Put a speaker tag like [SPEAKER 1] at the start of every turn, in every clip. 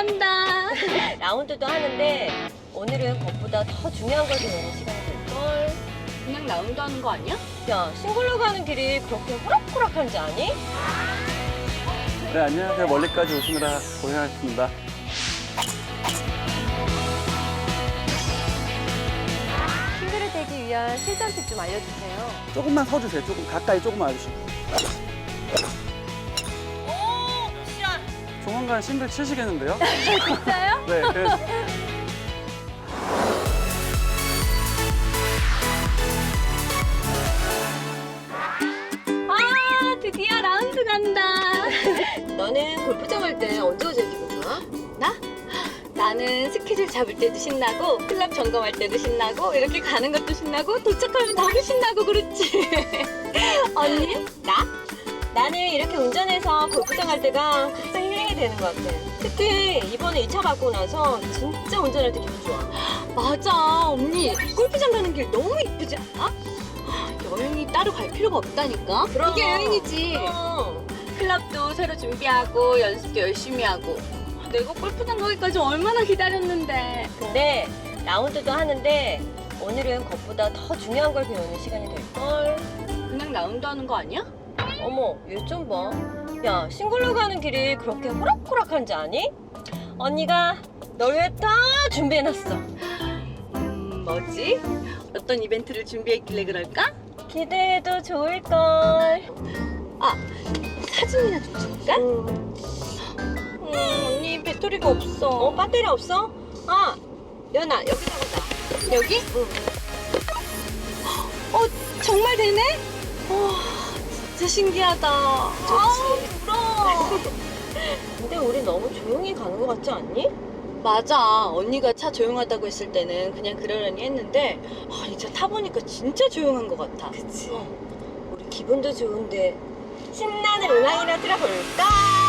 [SPEAKER 1] 간다.
[SPEAKER 2] 라운드도 하는데 오늘은 그것보다 더 중요한 걸 배우는 시간이 될걸.
[SPEAKER 1] 그냥 라운드 하는 거 아니야?
[SPEAKER 2] 야, 싱글로 가는 길이 그렇게 호락호락한지 아니?
[SPEAKER 3] 네, 안녕하세요. 멀리까지 오시느라 고생하셨습니다.
[SPEAKER 2] 싱글을 되기 위한 실전 팁 좀 알려주세요.
[SPEAKER 3] 조금만 서주세요. 조금 가까이 조금만 와주시고.
[SPEAKER 2] 오, 시간.
[SPEAKER 3] 조만간 싱글 치시겠는데요?
[SPEAKER 2] 진짜요?
[SPEAKER 3] 네, 그래서
[SPEAKER 1] 아, 드디어 라운드 간다.
[SPEAKER 2] 너는 골프장 할 때 언제가 제일 기분 좋아?
[SPEAKER 1] 나? 나는 스케줄 잡을 때도 신나고 클럽 점검할 때도 신나고 이렇게 가는 것도 신나고 도착하면 너무 신나고 그렇지. 언니?
[SPEAKER 2] 나? 나는 이렇게 운전해서 골프장 갈 때가 가장 힐링이 되는 것 같아. 특히 이번에 2차 받고 나서 진짜 운전할 때 기분 좋아.
[SPEAKER 1] 맞아. 언니 골프장 가는 길 너무 이쁘지 않아? 여행이 따로 갈 필요가 없다니까.
[SPEAKER 2] 그럼.
[SPEAKER 1] 이게 여행이지. 클럽도 새로 준비하고 연습도 열심히 하고. 내가 골프장 가기까지 얼마나 기다렸는데.
[SPEAKER 2] 근데 라운드도 하는데 오늘은 그것보다 더 중요한 걸 배우는 시간이 될걸.
[SPEAKER 1] 그냥 라운드 하는 거 아니야?
[SPEAKER 2] 어머, 얘 좀 봐. 야, 싱글로 가는 길이 그렇게 호락호락한지 아니? 언니가 널 위해 다 준비해놨어.
[SPEAKER 1] 뭐지? 어떤 이벤트를 준비했길래 그럴까?
[SPEAKER 2] 기대해도 좋을걸.
[SPEAKER 1] 아, 사진이나 좀 찍을까? 언니 배터리가 없어.
[SPEAKER 2] 어, 배터리 없어? 아, 연아, 여기 잡았다.
[SPEAKER 1] 여기?
[SPEAKER 2] 응.
[SPEAKER 1] 정말 되네? 와, 진짜 신기하다. 아우, 부러워.
[SPEAKER 2] 근데 우리 너무 조용히 가는 것 같지 않니?
[SPEAKER 1] 맞아. 언니가 차 조용하다고 했을 때는 그냥 그러려니 했는데 이제 타보니까 진짜 조용한 것 같아.
[SPEAKER 2] 그치. 우리 기분도 좋은데 신나는 음악이나 틀어볼까?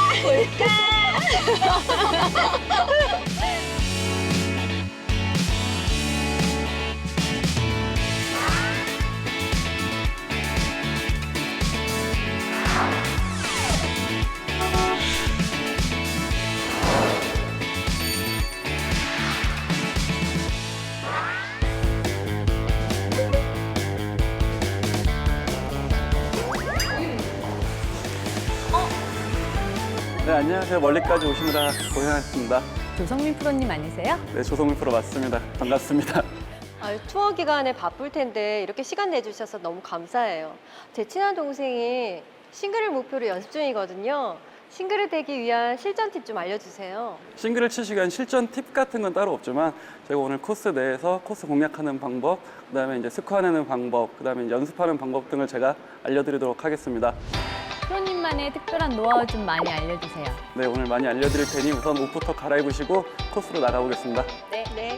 [SPEAKER 3] 네, 안녕하세요. 멀리까지 오시느라 고생하셨습니다.
[SPEAKER 4] 조성민 프로님 아니세요?
[SPEAKER 3] 네, 조성민 프로 맞습니다. 반갑습니다.
[SPEAKER 2] 투어 기간에 바쁠 텐데 이렇게 시간 내주셔서 너무 감사해요. 제 친한 동생이 싱글을 목표로 연습 중이거든요. 싱글을 되기 위한 실전 팁 좀 알려주세요.
[SPEAKER 3] 싱글을 치시기 위한 실전 팁 같은 건 따로 없지만 제가 오늘 코스 내에서 코스 공략하는 방법, 그다음에 이제 스코어 내는 방법, 그다음에 이제 연습하는 방법 등을 제가 알려드리도록 하겠습니다.
[SPEAKER 4] 프로님만의 특별한 노하우 좀 많이 알려주세요.
[SPEAKER 3] 네, 오늘 많이 알려드릴 테니 우선 옷부터 갈아입으시고 코스로 나가보겠습니다.
[SPEAKER 2] 네. 네.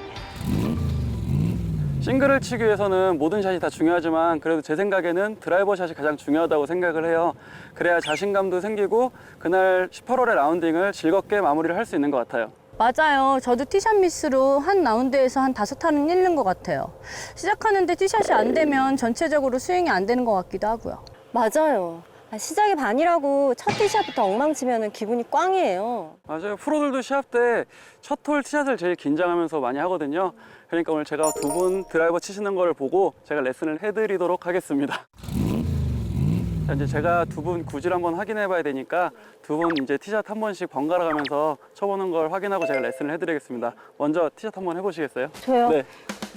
[SPEAKER 3] 싱글을 치기 위해서는 모든 샷이 다 중요하지만 그래도 제 생각에는 드라이버 샷이 가장 중요하다고 생각을 해요. 그래야 자신감도 생기고 그날 18홀의 라운딩을 즐겁게 마무리를 할 수 있는 것 같아요.
[SPEAKER 4] 맞아요. 저도 티샷 미스로 한 라운드에서 한 5타는 잃는 것 같아요. 시작하는데 티샷이 안 되면 전체적으로 스윙이 안 되는 것 같기도 하고요.
[SPEAKER 2] 맞아요. 시작이 반이라고 첫 티샷부터 엉망치면 기분이 꽝이에요.
[SPEAKER 3] 맞아요. 프로들도 시합 때 첫 홀 티샷을 제일 긴장하면서 많이 하거든요. 그러니까 오늘 제가 두 분 드라이버 치시는 걸 보고 제가 레슨을 해드리도록 하겠습니다. 자, 이제 제가 두 분 구질 한번 확인해 봐야 되니까 두 분 이제 티샷 한 번씩 번갈아 가면서 쳐보는 걸 확인하고 제가 레슨을 해드리겠습니다. 먼저 티샷 한번 해보시겠어요?
[SPEAKER 2] 저요?
[SPEAKER 3] 네.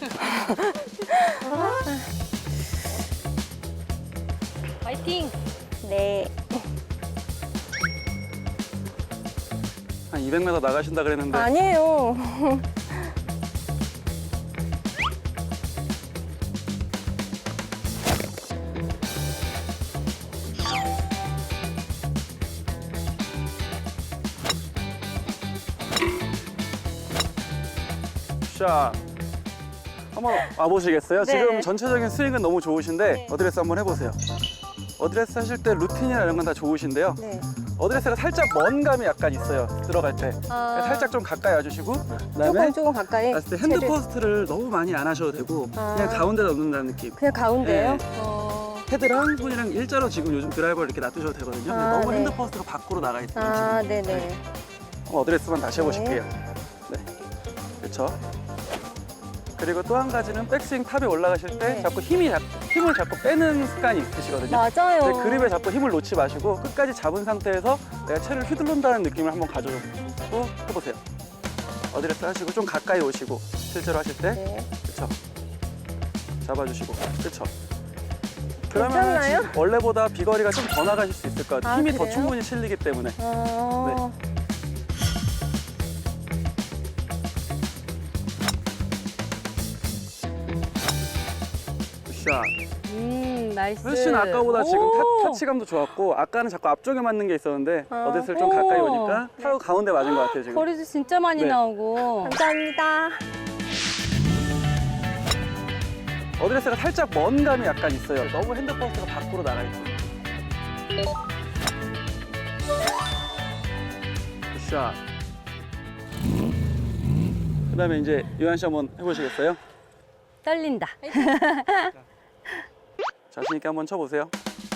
[SPEAKER 4] 화이팅!
[SPEAKER 2] 네.
[SPEAKER 3] 한 200m 나가신다 그랬는데
[SPEAKER 2] 아니에요.
[SPEAKER 3] 샷. 한번 와보시겠어요?
[SPEAKER 2] 네.
[SPEAKER 3] 지금 전체적인 스윙은 너무 좋으신데
[SPEAKER 2] 네.
[SPEAKER 3] 어드레스 한번 해보세요. 어드레스 하실 때 루틴이나 이런 건 다 좋으신데요.
[SPEAKER 2] 네.
[SPEAKER 3] 어드레스가 살짝 먼 감이 약간 있어요. 들어갈 때.
[SPEAKER 2] 아.
[SPEAKER 3] 살짝 좀 가까이 와주시고 그다음에
[SPEAKER 2] 조금 가까이.
[SPEAKER 3] 봤을 때 핸드
[SPEAKER 2] 채를.
[SPEAKER 3] 포스트를 너무 많이 안 하셔도 되고
[SPEAKER 2] 아.
[SPEAKER 3] 그냥 가운데다 놓는다는 느낌.
[SPEAKER 2] 그냥 가운데요?
[SPEAKER 3] 네.
[SPEAKER 2] 어.
[SPEAKER 3] 헤드랑 손이랑 일자로 지금 요즘 드라이버를 이렇게 놔두셔도 되거든요. 근데
[SPEAKER 2] 아,
[SPEAKER 3] 너무
[SPEAKER 2] 네.
[SPEAKER 3] 핸드 포스트가 밖으로 나가 있어요.
[SPEAKER 2] 아,
[SPEAKER 3] 지금.
[SPEAKER 2] 네네.
[SPEAKER 3] 어드레스만 다시 해보실게요. 네, 그렇죠. 그리고 또 한 가지는 백스윙 탑에 올라가실 때
[SPEAKER 2] 네.
[SPEAKER 3] 자꾸 힘을 자꾸 빼는 습관이 있으시거든요.
[SPEAKER 2] 맞아요.
[SPEAKER 3] 네, 그립에 자꾸 힘을 놓지 마시고 끝까지 잡은 상태에서 내가 채를 휘둘른다는 느낌을 한번 가져고 해보세요. 어드레스 하시고 좀 가까이 오시고 실제로 하실 때
[SPEAKER 2] 네.
[SPEAKER 3] 그렇죠. 잡아주시고 그렇죠. 그러면
[SPEAKER 2] 괜찮나요?
[SPEAKER 3] 원래보다 비거리가 좀 더 나가실 수 있을 것 같아요.
[SPEAKER 2] 아,
[SPEAKER 3] 힘이 더
[SPEAKER 2] 그래요?
[SPEAKER 3] 충분히 실리기 때문에.
[SPEAKER 2] 어...
[SPEAKER 3] 굿샷.
[SPEAKER 4] 나이스.
[SPEAKER 3] 훨씬 아까보다 지금
[SPEAKER 4] 오!
[SPEAKER 3] 타치감도 좋았고 아까는 자꾸 앞쪽에 맞는 게 있었는데
[SPEAKER 2] 아.
[SPEAKER 3] 어드레스를 좀
[SPEAKER 4] 오.
[SPEAKER 3] 가까이 오니까 타로 가운데 맞은 것 같아요 지금.
[SPEAKER 4] 거리도 진짜 많이
[SPEAKER 3] 네.
[SPEAKER 4] 나오고.
[SPEAKER 2] 감사합니다.
[SPEAKER 3] 어드레스가 살짝 먼 감이 약간 있어요. 너무 핸드버스가 밖으로 나가 있어요. 굿샷. 그다음에 이제 유한 씨 한번 해보시겠어요?
[SPEAKER 4] 떨린다.
[SPEAKER 3] 자신 있게 한번 쳐보세요.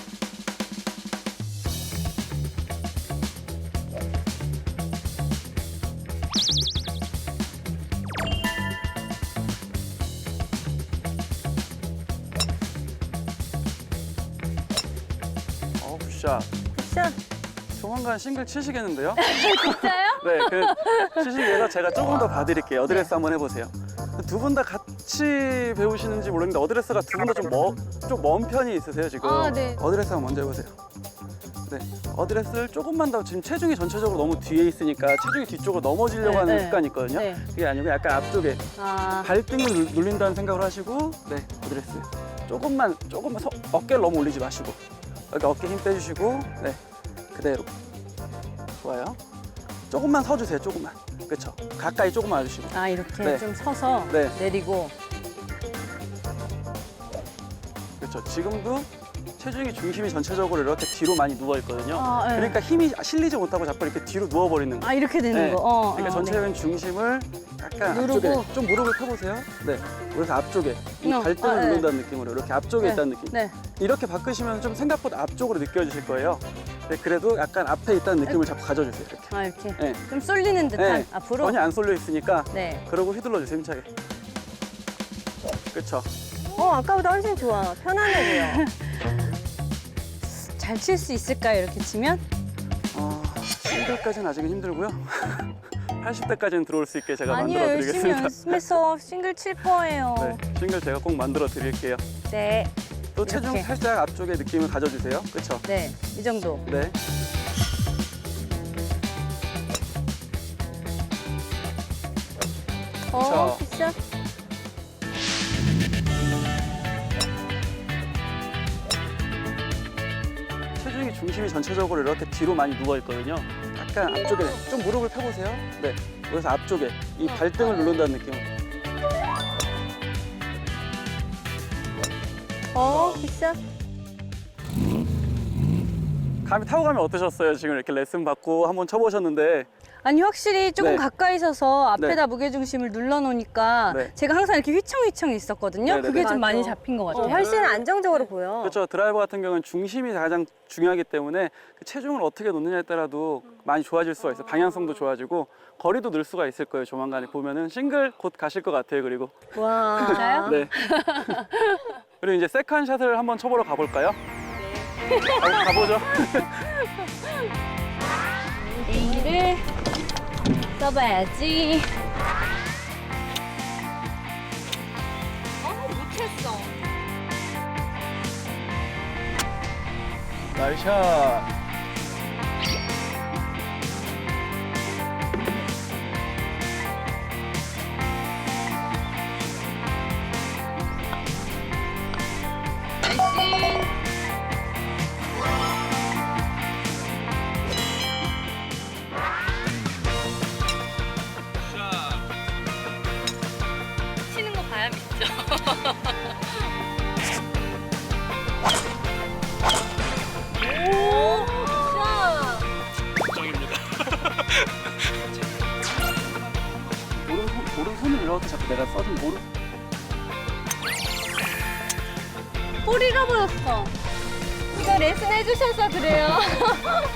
[SPEAKER 3] 굿샷.
[SPEAKER 2] 굿샷.
[SPEAKER 3] 조만간 싱글 치시겠는데요?
[SPEAKER 4] 진짜요?
[SPEAKER 3] 네, 치시기 위해서 제가 조금 더 봐드릴게요. 어드레스 한번 해보세요. 두 분 다 같이 배우시는지 모르겠는데 어드레스가 두 분 다 좀 먼 편이 있으세요 지금.
[SPEAKER 4] 아, 네.
[SPEAKER 3] 어드레스 한번 먼저 해보세요. 네, 어드레스를 조금만 더 지금 체중이 전체적으로 너무 뒤에 있으니까 체중이 뒤쪽으로 넘어지려고
[SPEAKER 4] 네,
[SPEAKER 3] 하는
[SPEAKER 4] 네.
[SPEAKER 3] 습관이 있거든요.
[SPEAKER 4] 네.
[SPEAKER 3] 그게 아니고 약간 앞쪽에
[SPEAKER 4] 아,
[SPEAKER 3] 발등을 눌린다는 생각을 하시고 네, 어드레스. 조금만 어깨를 너무 올리지 마시고 여기 어깨 힘 빼주시고 네, 그대로. 좋아요. 조금만 서주세요. 조금만. 그렇죠. 가까이 조금만 와주시고.
[SPEAKER 4] 아 이렇게
[SPEAKER 3] 네.
[SPEAKER 4] 좀 서서
[SPEAKER 3] 네.
[SPEAKER 4] 내리고.
[SPEAKER 3] 그렇죠. 지금도 체중이 중심이 전체적으로 이렇게 뒤로 많이 누워 있거든요.
[SPEAKER 4] 아, 네.
[SPEAKER 3] 그러니까 힘이 실리지 못하고 자꾸 이렇게 뒤로 누워 버리는 거예요.
[SPEAKER 4] 아 이렇게 되는
[SPEAKER 3] 네.
[SPEAKER 4] 거.
[SPEAKER 3] 그러니까 전체적인 중심을 약간
[SPEAKER 4] 누르고.
[SPEAKER 3] 앞쪽에 좀 무릎을 펴보세요. 네. 그래서 앞쪽에 이 발등을
[SPEAKER 4] 네.
[SPEAKER 3] 누른다는 느낌으로 이렇게 앞쪽에
[SPEAKER 4] 네.
[SPEAKER 3] 있다는 느낌.
[SPEAKER 4] 네.
[SPEAKER 3] 이렇게 바꾸시면 좀 생각보다 앞쪽으로 느껴지실 거예요. 네, 그래도 약간 앞에 있다는 느낌을 자꾸 가져주세요. 이렇게.
[SPEAKER 4] 아 이렇게
[SPEAKER 3] 네.
[SPEAKER 4] 좀 쏠리는 듯한
[SPEAKER 3] 네.
[SPEAKER 4] 앞으로.
[SPEAKER 3] 전혀 안 쏠려 있으니까
[SPEAKER 4] 네.
[SPEAKER 3] 그러고 휘둘러 주세요. 힘차게. 그렇죠.
[SPEAKER 2] 아까보다 훨씬 좋아. 편안해 보여.
[SPEAKER 4] 잘 칠 수 있을까요? 이렇게 치면?
[SPEAKER 3] 싱글까지는 아직은 힘들고요. 80대까지는 들어올 수 있게 제가
[SPEAKER 4] 아니요,
[SPEAKER 3] 만들어
[SPEAKER 4] 열심히
[SPEAKER 3] 드리겠습니다.
[SPEAKER 4] 연습해서 싱글 칠 거예요.
[SPEAKER 3] 네, 싱글 제가 꼭 만들어 드릴게요.
[SPEAKER 2] 네.
[SPEAKER 3] 또 체중
[SPEAKER 4] 이렇게.
[SPEAKER 3] 살짝 앞쪽에 느낌을 가져주세요. 그렇죠?
[SPEAKER 4] 네, 이 정도.
[SPEAKER 3] 네.
[SPEAKER 2] 굿샷.
[SPEAKER 3] 체중이 중심이 전체적으로 이렇게 뒤로 많이 누워 있거든요. 약간 앞쪽에 좀 무릎을 펴보세요. 네. 그래서 앞쪽에 이 발등을 누른다는 느낌.
[SPEAKER 2] 굿샷.
[SPEAKER 3] 감이 타고 가면 어떠셨어요? 지금 이렇게 레슨 받고 한번 쳐보셨는데
[SPEAKER 4] 아니 확실히 조금
[SPEAKER 3] 네.
[SPEAKER 4] 가까이 서서 앞에다
[SPEAKER 3] 네.
[SPEAKER 4] 무게중심을 눌러놓으니까
[SPEAKER 3] 네.
[SPEAKER 4] 제가 항상 이렇게 휘청휘청 있었거든요.
[SPEAKER 3] 네, 네,
[SPEAKER 4] 그게
[SPEAKER 3] 네.
[SPEAKER 4] 좀
[SPEAKER 2] 맞아.
[SPEAKER 4] 많이 잡힌 것 같아요.
[SPEAKER 2] 훨씬 안정적으로 보여.
[SPEAKER 3] 그렇죠. 드라이버 같은 경우는 중심이 가장 중요하기 때문에 그 체중을 어떻게 놓느냐에 따라도 많이 좋아질 수가 있어요. 방향성도 좋아지고 거리도 늘 수가 있을 거예요. 조만간에 보면은 싱글 곧 가실 것 같아요. 그리고
[SPEAKER 2] 와.
[SPEAKER 4] 진짜요?
[SPEAKER 3] 네. 그리고 이제 세컨 샷을 한번 쳐보러 가볼까요? 네. 가보죠.
[SPEAKER 4] A를 써봐야지.
[SPEAKER 1] 못했어.
[SPEAKER 3] 나이샷.
[SPEAKER 1] 치는 거 봐야 믿죠.
[SPEAKER 3] 오른손을 이렇게 자꾸 내가 써준 오른.
[SPEAKER 4] 꼬리가 보였어.
[SPEAKER 2] 이거 레슨 해주셔서 그래요.